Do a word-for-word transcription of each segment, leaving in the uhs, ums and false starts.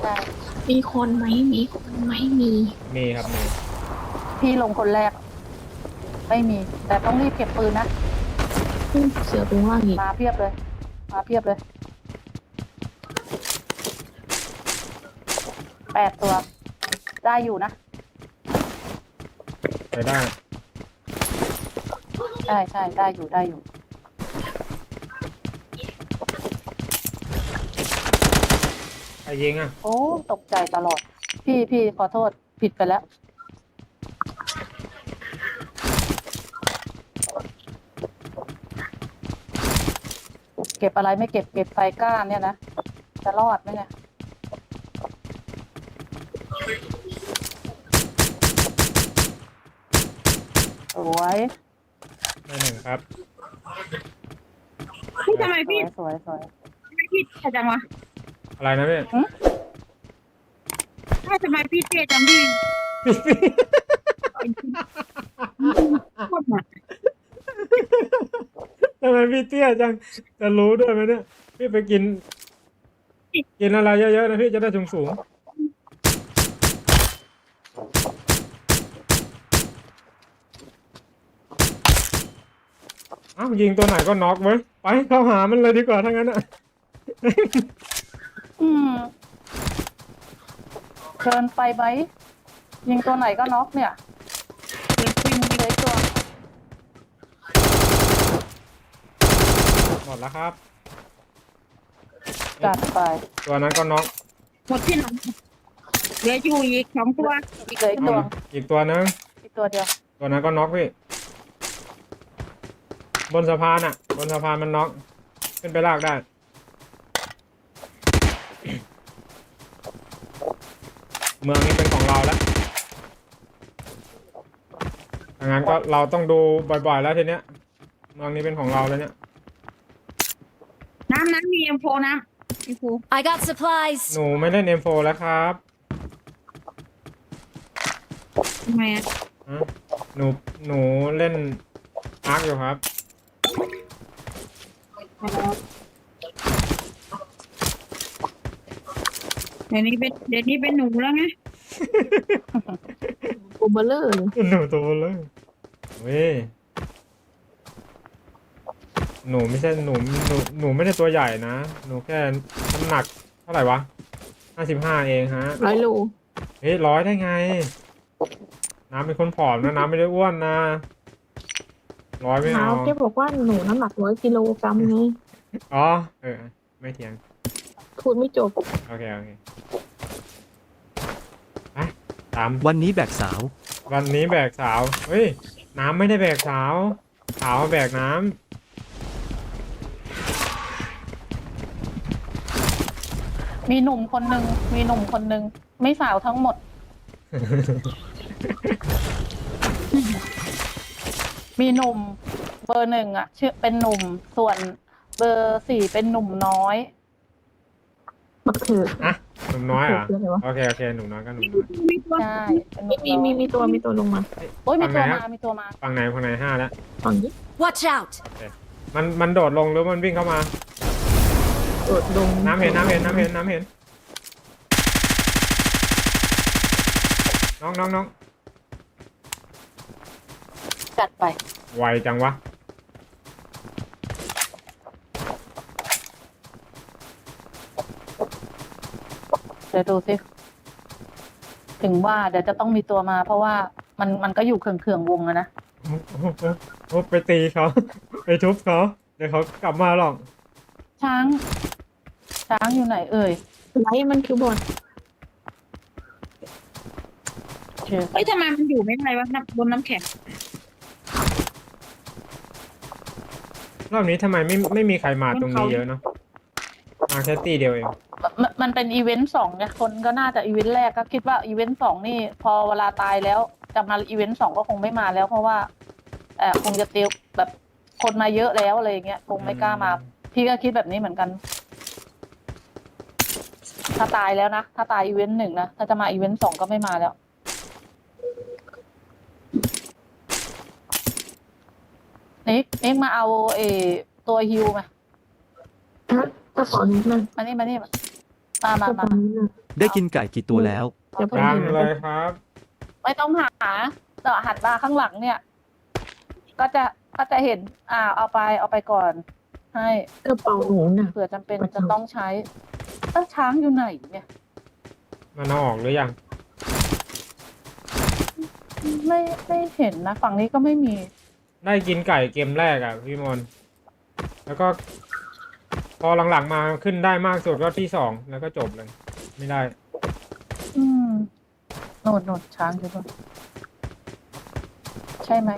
ช่มีคนไหมมีคนไหมมีมีครับมีพี่ลงคนแรก ไม่มี แต่ต้องรีบเก็บปืนนะอืมเสือเป็นว่าอีกมาเพียบเลย มาเพียบเลย แปดตัว ได้อยู่นะไปได้ใช่ใช่ได้อยู่ได้อยู่ใครยิงอ่ะโอ้ตกใจตลอด พี่พี่ขอโทษผิดไปแล้ว เก็บอะไรไม่เก็บเก็บไฟก้านเนี่ยนะ จะรอดไหมเนี่ย สวยได้หนึ่งครับพี่ทำไมสวพี่ยสวยสวยทำไมพี่เท่จังวะอะไรนะพี่ถ้าทำไมพี่เท่จังพี่โคตรหนักทำไมพี่เตี้ยจังจะรู้ด้วยไหมเนี่ยพี่ไปกิน กินอะไรเยอะๆนะพี่จะได้สูงสูงอ้าวยิงตัวไหนก็น็อกไว้ยไปเข้าหามันเลยดีกว่าถ้างั้นอ่ะอืมเกินไปไหมยิงตัวไหนก็น็อกเนี่ยเดี๋ยวคุยมึงเหลยตัวหมดแล้วครับจัดไปตัวนั้นก็น็อกหมดที่หลังเหลืออยู่อีกสองตัวอีกเหลยตัวอีกตัวนึงอีกตัวเดียวตัวนั้นก็น็อกพี่บนสะพานอ่ะ บนสะพานมันน็อกขึ้นไปลากได้ เมืองนี้เป็นของเราแล้วดังนั้นก็เราต้องดูบ่อยๆแล้วทีเนี้ย เมืองนี้เป็นของเราแล้วเนี่ยน้ำน้ำมีเอ็มโฟน้ำเอ็มโฟ I got supplies. หนูไม่เล่น เอ็ม โฟร์ แล้วครับทำไมอ่ะฮะหนูหนูเล่นอาร์คอยู่ครับเดี๋ยวนี้เป็นเดี๋ยวนี้เป็นหนูแล้วไงโอเบอร์เลอร์เลยหนูตัวเลยเว้ยหนูไม่ใช่หนูหนูหนูไม่ได้ตัวใหญ่นะ หนูแค่น้ำหนักเท่าไหร่วะห้าสิบห้าเองฮะร้อยโลเฮ้ยร้อยได้ไง น้ำเป็นคนผอมนะน้ำไม่ได้อ้วนนะร้อยไม่เท้าเอาแกบอกว่าหนูน้ำหนักร้อยกิโลกรัมไงอ๋อเออไม่เถียงพูดไม่จบโอเคโอเคไปตามวันนี้แบกสาววันนี้แบกสาวเฮ้ยน้ำไม่ได้แบกสาวสาวแบกน้ำมีหนุ่มคนหนึ่งมีหนุ่มคนหนึ่งไม่สาวทั้งหมด มีหนุ่มเบอร์หนึ่งอ่ะชื่อเป็นหนุ่มส่วนเบอร์สี่เป็นหนุ่มน้อยบักเถืออ่ะหนุ่มน้อยเหรอ่ะคืออะไรวะโอเคโอเคหนุ่มน้อยก็หนุ่มน้อยมีตัวใช่เป็นหนุ่มมีน้อยมีมีตัวมีตัวลงมาโอ้ยมีตัวฝั่งไหนมาอะมีตัวมาฝั่งไหนฝั่งไหนห้าแล้วฝั่งนี้ Watch out. มันมันโดดลงหรือมันวิ่งเข้ามาโดดลงน้ำเห็นน้ำเห็นน้ำเห็นน้ำเห็นน้องน้องน้องจัดไปไวจังวะเดี๋ยวดูสิถึงว่าเดี๋ยวจะต้องมีตัวมา เพราะว่ามันมันก็อยู่เขื่องๆวงอะนะโอ้โหโอ้โหไปตีเขา ไปทุบเขาเดี๋ยวเขากลับมาหรอกช้าง ช้างอยู่ไหนเอ่ยไลท์มันคือบอลเชื่อเฮ้ยทำไมมันอยู่ไม่ได้วะน้ำบนน้ำแข็งรอบนี้ทำไมไม่ไม่มีใครมาตรงนี้เยอะเนาะมาแค่ตีเดียวเองมันมันเป็นอีเวนต์สองไงคนก็น่าจะอีเวนต์แรกก็คิดว่าอีเวนต์สองนี่ พอเวลาตายแล้วจะมาอีเวนต์สองก็คงไม่มาแล้ว เพราะว่าเออคงจะเตียวแบบคนมาเยอะแล้วอะไรอย่างเงี้ยคงไม่กล้ามา พี่ก็คิดแบบนี้เหมือนกัน ถ้าตายแล้วนะถ้าตายอีเวนต์หนึ่งนะถ้าจะมาอีเวนต์สองก็ไม่มาแล้วนิกนิกมาเอาเออตัวฮิวมาฮะก็ขอนิดนึงมานี่มานี่มามามาก็ตมาอนนี้น่ะได้กินไก่กี่ตัวแล้วจะไปยังหาเลยครับไม่ต้องหาแต่หันมาข้างหลังเนี่ย ก็จะก็จะเห็น อ่า เอาไปเอาไปก่อน ให้กระเป๋าหนูน่ะเผื่อจำเป็นจะต้องใช้เอ้าช้างอยู่ไหนเนี่ยมันเอาออกหรือยังไม่ไม่เห็นนะ ฝั่งนี้ก็ไม่มีได้กินไก่เกมแรกอ่ะพี่มนต์แล้วก็ พอหลังๆมาขึ้นได้มากสุดก็ที่สองแล้วก็จบเลย ไม่ได้อืมโนดโนดช้างอยู่ตรงใช่ไหม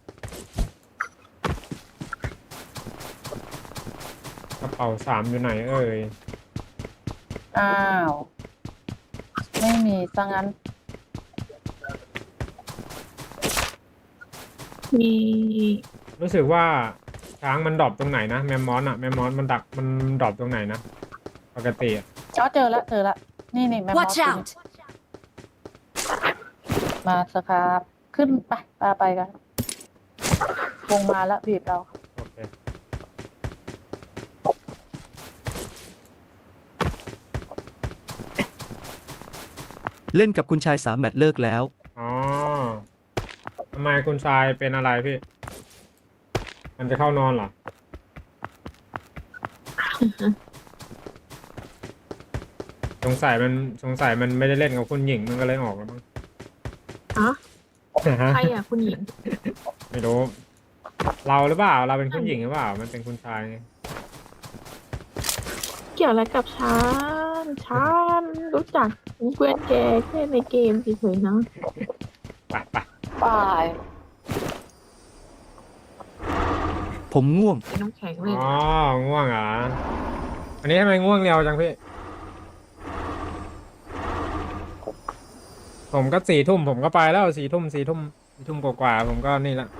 กระเป๋าสามอยู่ไหนเอ่ยอ้าว ไม่มีซะงั้นมีรู้สึกว่าช้างมันดรอปตรงไหนนะแมมมอสอะแมมมอสมันดักมันดรอปตรงไหนนะปกติอะอ๋อเจอแล้วเจอแล้วนี่นี่แมมมอส Watch ขึ้น out! มาสครับ ขึ้นไปไปไปกันวงมาแล้วบีบเราโอเคเล่นกับคุณชายสามแมตช์เลิกแล้วอ๋อทำไมคุณชายเป็นอะไรพี่ มันจะเข้านอนเหรอ สงสัยมันสงสัยมันไม่ได้เล่นกับคุณหญิงมันก็เลยออกแล้วมั้งอ๋อฮะใครอ่ะคุณหญิงไม่รู้ เราหรือเปล่า เราเป็นคุณหญิงหรือเปล่า มันเป็นคุณชายไงเกี่ยวอะไรกับฉันฉันรู้จักเพื่อนแกแค่ในเกมเฉยๆนะไปไปไปผมง่วงเป็นน้ำแข็งเลยอ๋อ ง่วงเหรอ อันนี้ทำไมง่วงเร็วจังพี่ ผมก็สี่ทุ่มผมก็ไปแล้วสี่ทุ่มสี่ทุ่มสี่ทุ่มกว่าๆผมก็นี่ละ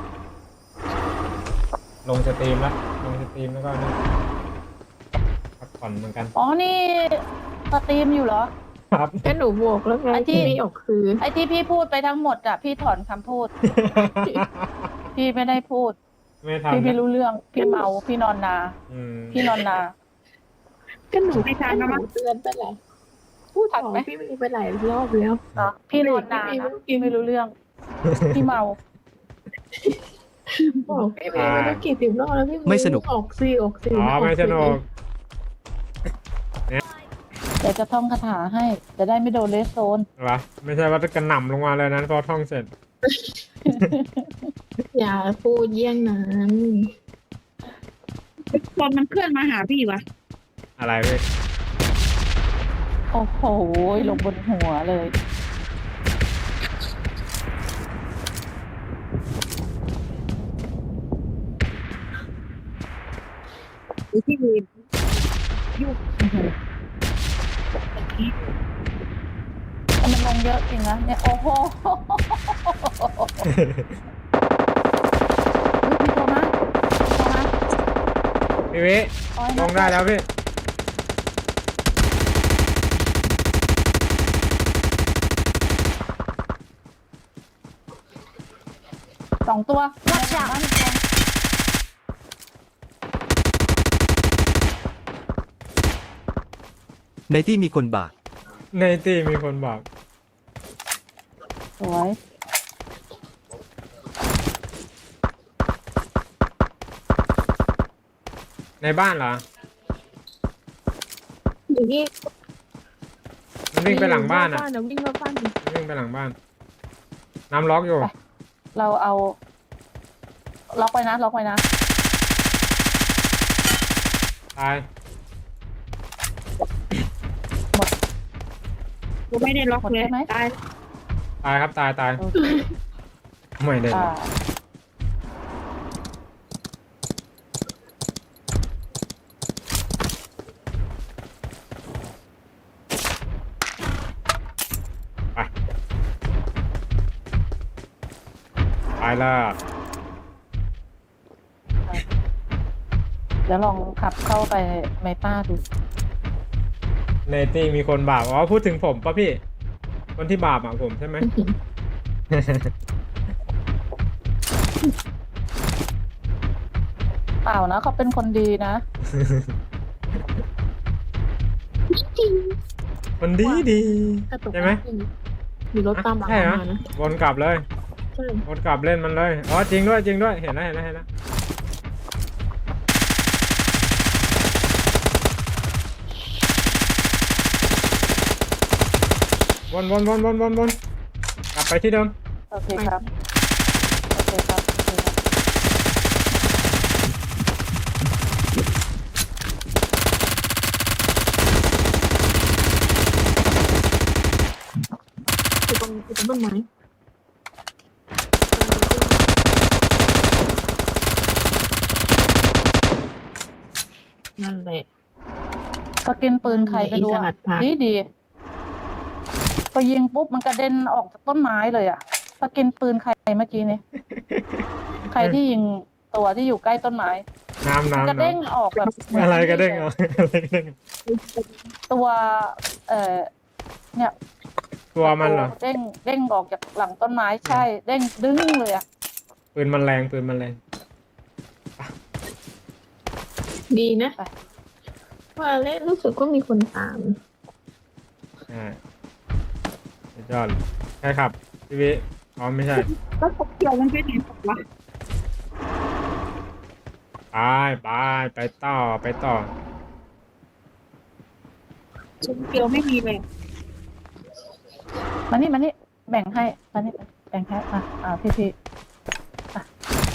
ลงสตรีมแล้วลงสตรีมแล้วก็นี่พักผ่อนเหมือนกันอ๋อนี่สตรีมอยู่เหรอครับก็หนูบอกแล้วไงไอ้ที่ที่ไม่ออกคือไอ้ที่พี่พูดไปทั้งหมดอะพี่ถอนคำพูด พี่ไม่ได้พูดไม่ทันพี่ไม่นะรู้เรื่อง พี่เมา พี่นอนนาอืมพี่นอนนาก็หนูไม่ทันแล้วมั้งเตือนไปแหละพูดทันของไหมพี่มีไปหลายรอบแล้วอ่ะพี่นอนนาพี่ไม่นะรู้พี่ไม่รู้เรื่อง พี่เมาบอกพี่เมย์ไม่รู้กี่สิบรอบแล้วพี่เย์ไม่สนุกออกซีออกซีอ๋อไม่สนุกเดี๋ยวจะท่องคาถาให้ จะได้ไม่โดนเลสโซนเหรอไม่ใช่ว่าจะกระหน่ำลงมาเลยนะพอท่องเสร็จอย่าพูดเยี่ยงนั้นคนมันเคลื่อนมาหาพี่วะอะไรพี่โอ้โห ลงบนหัวเลยหรือที่มีอื้อหือแต่มันลงเยอะจริงนะเนี่ย โอ้โหเฮ้ยมีตัวมาตัวมาพี่วิเอาให้ลนะงได้แล้วพี่สองตัว Watch out บ้านอีกตัวในที่มีคนบาดในตีมีคนบอกสวยในบ้านเหรออยู่นี่มันวิ่งไปหลังบ้านอ่ะเดี๋ยววิ่งมาบ้านดิมันวิ่งไปหลังบ้าน น้ำล็อกอยู่เราเอาล็อกไว้นะล็อกไว้นะตายกูไม่ได้ล็อกเลยหมดใช่ไหมตายตายครับตายตายโอเคไม่ได้อ่าไปไปละเดี๋ยวลองขับเข้าไปในป้าดูในตีมีคนบาปอ๋อพูดถึงผมป่ะพี่ คนที่บาปอ่ะผมใช่ไหมเปล่านะเขาเป็นคนดีนะจริงมันดีดีกระตุกใช่ไหมมีรถตามหลังใช่เหรอมานะวนกลับเลยใช่วนกลับเล่นมันเลยอ๋อจริงด้วยจริงด้วยเห็นแล้วเห็นแล้วเห็นแล้ววนวนวนวนวนวนกลับไปที่เดิมโอเคครับ โอเคครับโอเคครับอยู่ตรงอยู่ตรงต้นไม้นั่นแหละสกินปืนใครไปดูอินสลัอะดผักดีดีพอยิงปุ๊บมันกระเด็นออกจากต้นไม้เลยอะสกินปืนใครเมื่อกี้นี้ ใครที่ยิงตัวที่อยู่ใกล้ต้นไม้น้ำมันน้ำกระเด้งน้ออกแบบำอะไรกระเด้งเหรออะไรกระเด้งตัว เอ่อเนี่ยตัวมันเหรอเด้งเด้งออกจากหลังต้นไม้ใช่ เด้งดึงเลยอะปืนมันแรงปืนมันแรงดีนะ ว่าเล่นรู้สึกว่ามีคนตามใช่สุดยอดเลยใช่ครับพี่วิอ๋อไม่ใช่แล้วพวกเกี่ยวมันไปไหนหมดวะไปไปไปต่อไปต่อชุดเกี่ยวไม่มีเลยมานี่มานี่แบ่งให้มานี่แบ่งให้อ่ะอ่าพี่พี่อ่ะ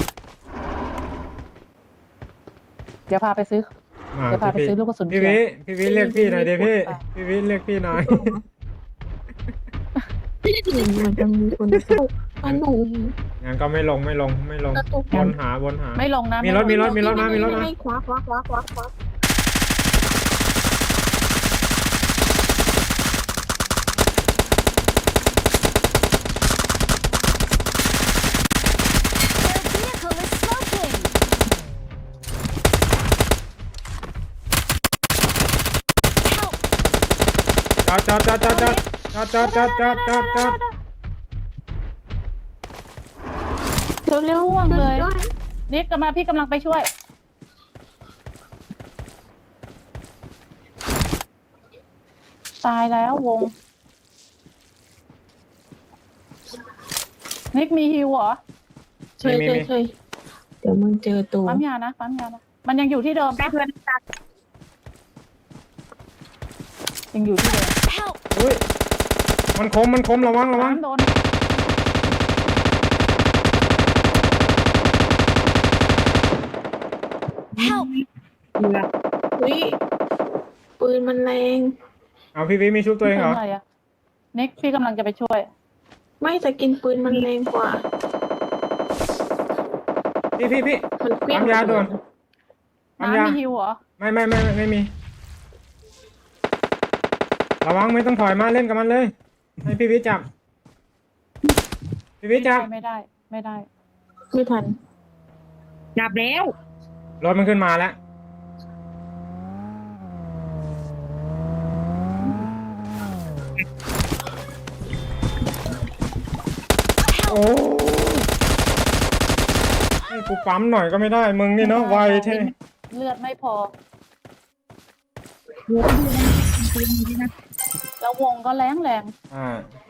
เดี๋ยวพาไปซื้อมาเดี๋ยวพาไปพี่ซื้อลูกกระสุนพี่เขียววิพี่วิเรียกพี่หน่อยเดี๋ยวพี่ไปพี่วิเรียกพี่หน่อยมันจะมีคนเข้าอันหนูงั้นก็ไม่ลงไม่ลงไม่ลงกระตุกวนหาวนหาไม่ลงนะมีรถไลงมีรถมีรถมามีรถมาคว้าคว้าคว้าคว้าคว้า Their vehicle is smoking. จอดจอดจอดจอดจอดจอดจอดจอดจอดจอดจอดเร็วเร็วห่วงเลยด้วยนิกกลับมาพี่กำลังไปช่วย ตายแล้ววง นิกมีฮิวเหรอใช่ใช่ใช่เดี๋ยวมึงเจอตัวปั๊มยานะปั๊มยานะมันยังอยู่ที่เดิมได้ปะเพื่อนตัดยังอยู่ที่เดิม Help! อุ้ยมันคมมันคมระวังระวังน้ำโดน Help! เหลืออุ้ยปืนมันแรงเอาพี่วิมีชุบตัวเองเหรอป็นไรอะนิกพี่กำลังจะไปช่วยไม่สกินปืนมันแรงกว่าพี่พี่พี่มันเปรี้ยงปั๊มยาด่วน ปั๊มยาน้ำมีฮิวเหรอไม่ไม่ไม่ไม่ไม่มี ระวังไม่ต้องถอยมาเล่นกับมันเลย ให้พี่วิจับ พี่วิจับไม่ได้ ไม่ได้ไม่ทันจับแล้วรถมันขึ้นมาแล้ว โอ้ให้กูปั๊มหน่อยก็ไม่ได้ มึงนี่เนาะไวเท่เลือดไม่พอเหลือดูนะปืนดีนะแล้ววงก็แรงแรงอ่า